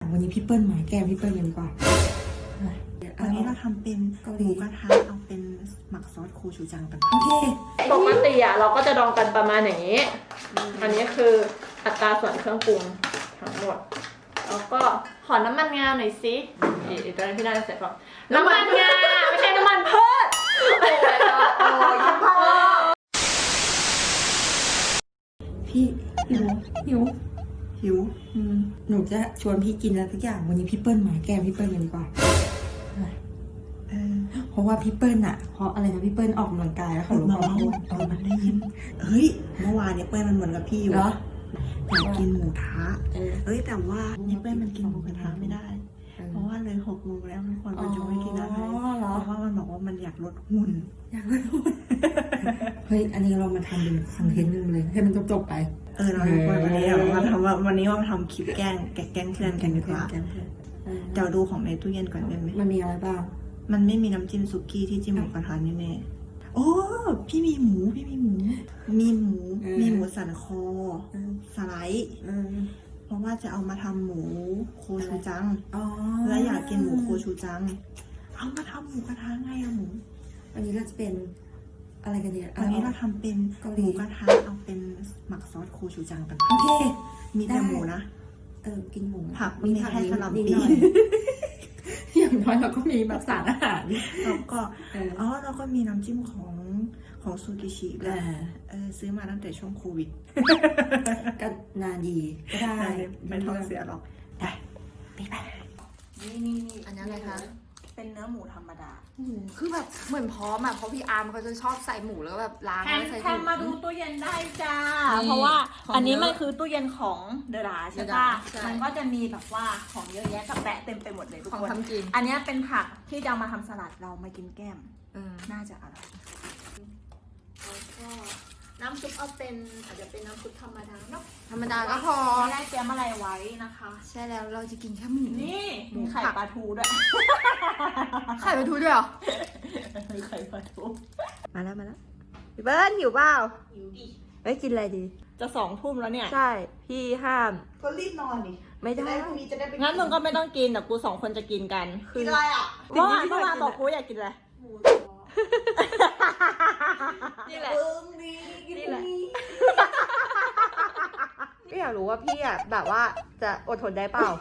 วันนี้พี่เปิ้ลมาแกพี่เปิ้ลกันดีกว่าวันนี้เราทำเป็นหมูกระทะเอาเป็นหมักซอสโคชูจังกันโอเคปกติเราก็จะดองกันประมาณอย่างนี้ อันนี้คืออัตราส่วนเครื่องปรุงทั้งหมดแล้วก็ขอน้ำมันงาหน่อยสิอีกตอนนี้พี่น่าจะใส่ก่อนน้ำมันงาไม่ใช่น้ำมันพืชพี่หิวหนูจะชวนพี่กินอะไรสักอย่างวันนี้พี่เปิ้ลมาแกพี่เปิ้ลกันดีกว่าเพราะว่าพี่เปิ้ลอะเพราะอะไรนะพี่เปิ้ลออกกำลังกายแล้วเขาลดความอ้วนมันได้ยินเฮ้ยเมื่อวานเนี่ยเปิ้ลมันเหมือนกับพี่อยู่เหรออยากกินหมูทะแต่ว่าเนี่ยเปิ้ลมันกินหมูกระทะไม่ได้เพราะว่าเลย6 โมงแล้วทุกคนมันจะไม่กินอะไรเพราะว่ามันบอกว่ามันอยากลดหุ่นเฮ้ยอันนี้เรามาทำเป็นคอนเทนต์นึงเลยให้มันจบไปเราวันนี้มาทำคลิปแกล้งเพื่อนกันดีกว่าเดี๋ยวดูของในตู้เย็นก่อนได้ไหมมันมีอะไรบ้างมันไม่มีน้ำจิ้มสุกี้ที่จิ้มหมูกระทะแน่ๆโอ้พี่มีหมูสันคอสไลด์เพราะว่าจะเอามาทำหมูโคชูจังแล้วอยากกินหมูโคชูจังเอามาทำหมูกระทะไงอะหมูอันนี้ก็จะเป็นอะไรกันเนี่ยอันนี้เราทำเป็นหมูกระทะเอาเป็นหมักซอสโคชูจังกันโอเคมีแต่หมูนะกินหมูผักมีแค่สลับปีอย่างน้อยเราก็มีแบบสารอาหารแล้วก็เราก็มีน้ำจิ้มของซูกิชิด้วยซื้อมาตั้งแต่ช่วงโควิดก็นานดีก็ได้ไม่ท้องเสียหรอกได้ไปนี่อันนี้อะไรคะเป็นเนื้อหมูธรรมดาคือแบบเหมือนพร้อมอ่ะเพราะพี่อาร์มเขาจะชอบใส่หมูแล้วแบบล้างแล้วใส่ถุงมาดูตู้เย็นได้จ้าเพราะว่าอันนี้มันคือตู้เย็นของเดอะราใช่ป่ะมันก็จะมีแบบว่าของเยอะแยะกับแปะเต็มไปหมดเลยทุกคนอันนี้เป็นผักที่จะมาทำสลัดเรามากินแก้มน่าจะอร่อยแล้วก็น้ำซุปเอาเป็นอาจจะเป็นน้ำซุปธรรมดาเนาะธรรมดาก็พอไม่ได้เตรียมอะไรไว้นะคะใช่แล้วเราจะกินแค่หมูนี่มีไข่ปลาทูด้วยไข่ปลาทูด้วยเหรอมีไข่ปลาทูมาแล้วพี่เบิ้ลหิวเปล่าหิวดิกินอะไรดีจะ2 ทุ่มแล้วเนี่ยใช่พี่ห้ามก็รีบนอนดิไม่ได้พรุ่งนี้จะได้ไปงั้นมึงก็ไม่ต้องกินแต่กู2 คนจะกินกันกินอะไรอ่ะเมื่อวานบอกกูอยากกินอะไรหมูนี่แหละนี่แหละพี่อยากรู้ว่าพี่อ่ะแบบว่าจะอดทนได้เปล่า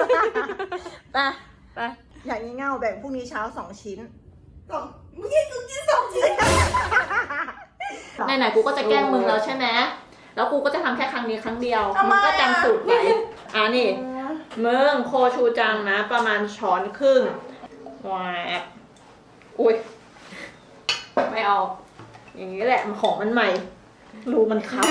ไปอย่างนี้เง่าแบ่งพรุ่งนี้เช้า2 ชิ้นมึงยังกิน2 ชิ้นไหนๆกูก็จะแกล้งมึงแล้วใช่ไหมแล้วกูก็จะทำแค่ครั้งนี้ครั้งเดียวมึงก็จำสูตรไว้นี่มึงโคชูจังนะประมาณ1.5 ช้อนแหวกอุ้ยไม่เอาอย่างนี้แหละของมันใหม่รูมันคับ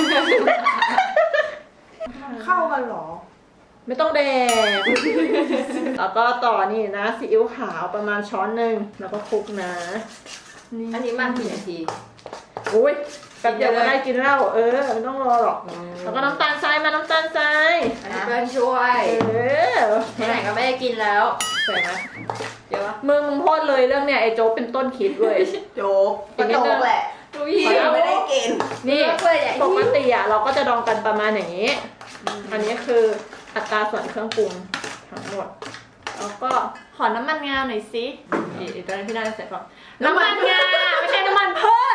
เข้ากันหรอไม่ต้องแดกแล้วก็ต่อนี่นะซีอิ๊วขาวประมาณ1 ช้อนแล้วก็คลุกนะอันนี้มันกี่นาทีอุ้ยแป๊บเดียวก็ได้กินแล้วไม่ต้องรอหรอกแล้วก็น้ำตาลทรายมาน้ำตาลทรายอันนี้เพื่อนช่วยไหนก็ไม่ได้กินแล้วใส่ไหมเดี๋ยวมึงพูดเลยเรื่องเนี่ยไอ้โจ๊กเป็นต้นคิดเลยโจ๊กกระโจ๊กแหละพี่ไม่ได้กินนี่ปกติเราก็จะดองกันประมาณอย่างนี้ อันนี้คืออัตราส่วนเครื่องปรุงทั้งหมดแล้วก็ขอน้ำมันงาหน่อยสิอีกตอนนี้พี่น่าจะใส่ก่อนน้ำมันงาไม่ใช่น้ำมันพืช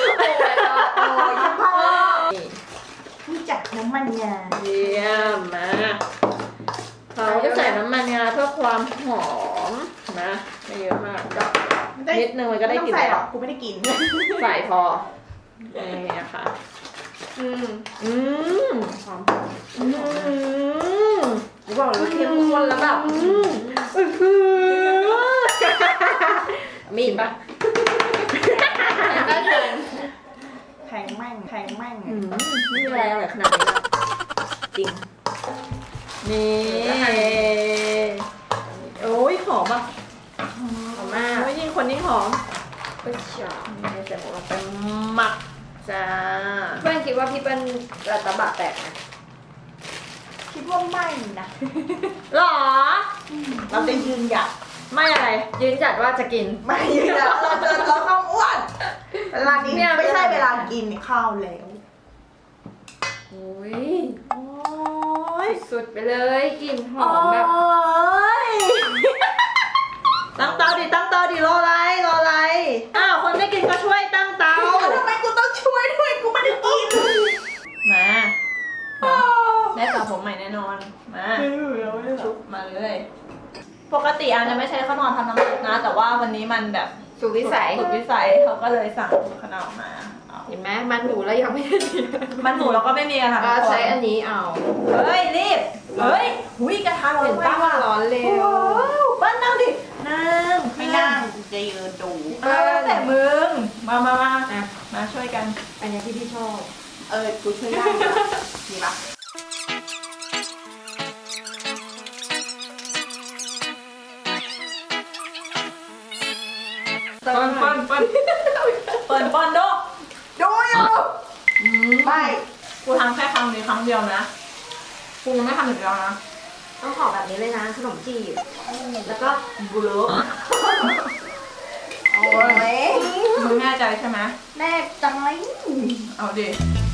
รู้จักน้ำมันงาเยี่ยมมาเราจะใส่น้ำมันงาเพื่อความหอมนะไม่เยอะมากนิดนึงมันก็ได้กลิ่นแล้วกูไม่ได้กินใส่พอนี่นะคะหอมบอกเลยว่าเข้มข้นแล้วแบบมีปะแพงแม่งไม่มีอะไรอร่อยขนาดนี้จริงนี่โอ้ยหอมอ่ะหอมมากโอ้ยยิ่งคนยิ่งหอมนี่ใส่หมูลงไปหมักจ้าเพื่อนคิดว่าพี่เป็นระตะบะแตกนะคิดว่าไม่นะหรอเราจะยืนหยัดไม่อะไรยืนจัดว่าจะกินไม่ยืนหยัดเราต้องอ้วนเวลานี้ไม่ใช่เวลากินข้าวแล้วโอ้ยสุดไปเลยกลิ่นหอมแบบชุบมาเลย ปกติอาจะไม่ใช้ข้าวนอนทำน้ำซุปนะ แต่ว่าวันนี้มันแบบสุดวิสัยสุดวิสัยเขาก็เลยสั่งข้าวนอนมาเอาเห็นไหมมันหนูแล้วยังไม่ได้ดีมันหมูเราก็ไม่มีอะค่ะก็ทุกคนใช้อันนี้เอาเฮ้ยรีบเฮ้ยหุยกระทะร้อนเห็นป้าว่ะร้อนเร็วว้าวเปิ้ลนั่งดินั่งไม่นั่งจะยืนดูแต่มึงมามาช่วยกันอันนี้ที่พี่ชอบกูช่วยได้ดีปะเปิดบอลดูดูอยู่ไม่กูทำแค่ครั้งนี้ครั้งเดียวนะกูยังไม่ทำอีกแล้วนะต้องขอแบบนี้เลยนะขนมจีบแล้วก็บุรุษโอ้ยมึงแน่ใจใช่ไหมแน่จังเลยเอาดิ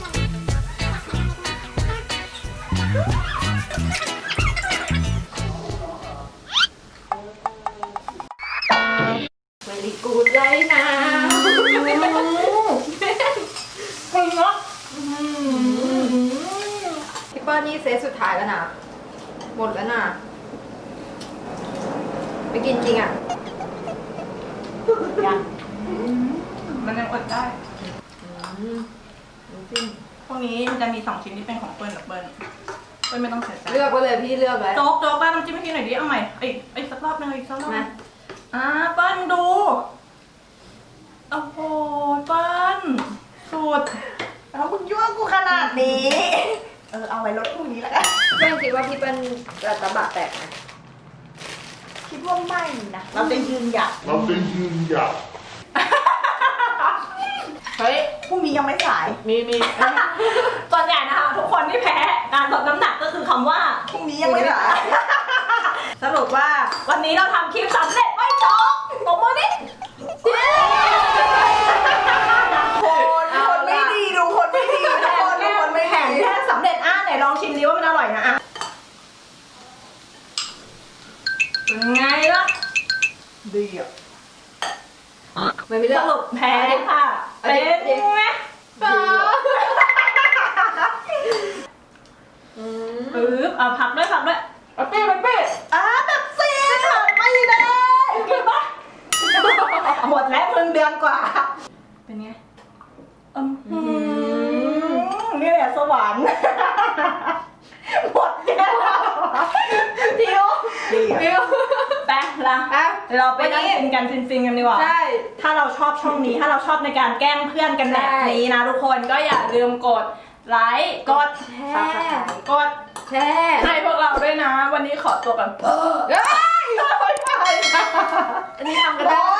เวลิกูดเลยนะคุณเนาะพี่เปิ้ลนี่เซตสุดท้ายแล้วนะหมดแล้วนะไปกินจริงอ่ะมันยังอดได้น้ำจิ้มพวกนี้มันจะมี2ชิ้นที่เป็นของเปิ้ลกับเปิ้ลไม่ต้องเสียใจเลือกไว้เลยพี่เลือกไว้โจ๊กบ้านน้ำจิ้มให้พี่หน่อยดิเอาใหม่อีกสักรอบนึงอีกสักรอบมาเปิ้ลดูโอ้โหเปิ้ลสุดแล้วมึงยั่วกูขนาดนี้ เอาไว้รถพรุ่งนี้แล้วกันเพื่อนคิดว่าพี่เปิ้ลจะตะบะแตกไหมคิดว่าไม่นะ เราจะยืนหยัดเฮ้ยพรุ่งนี้ยังไม่สายมีส่วนใหญ่นะคะทุกคนที่แพ้การลดน้ำหนักก็คือคำว่าพรุ่งนี้ยังไม่สายสรุปว่าวันนี้เราทำคลิปสำเร็จไว้จ๊อกตบมือดิคนไม่ดีดูคนไม่ดีทุกคนดูคนไม่แผดีนแค่สำเร็จไหนลองชิมดิว่ามันอร่อยนะเป็นไงล่ะดีอ่ะไม่เลืสอกรุปแพ้ค่ะเป็นไงเอาผักด้วยเอาเป้แบบซีไม่ได้กินปะหมดแล้วมึงเดือนกว่าเป็นไงนี่แหละสวรรค์หมดแล้วดิวแป๊ะละเดี๋ยวเราไปนั่งกินกันฟินๆกันดีกว่าใช่ถ้าเราชอบช่องนี้ถ้าเราชอบในการแกล้งเพื่อนกันแบบนี้นะทุกคนก็อย่าลืมกดไลค์กดแชร์กดแช่ให้พวกเราด้วยนะ วันนี้ขอตัวกันอันนี้ทำกันได้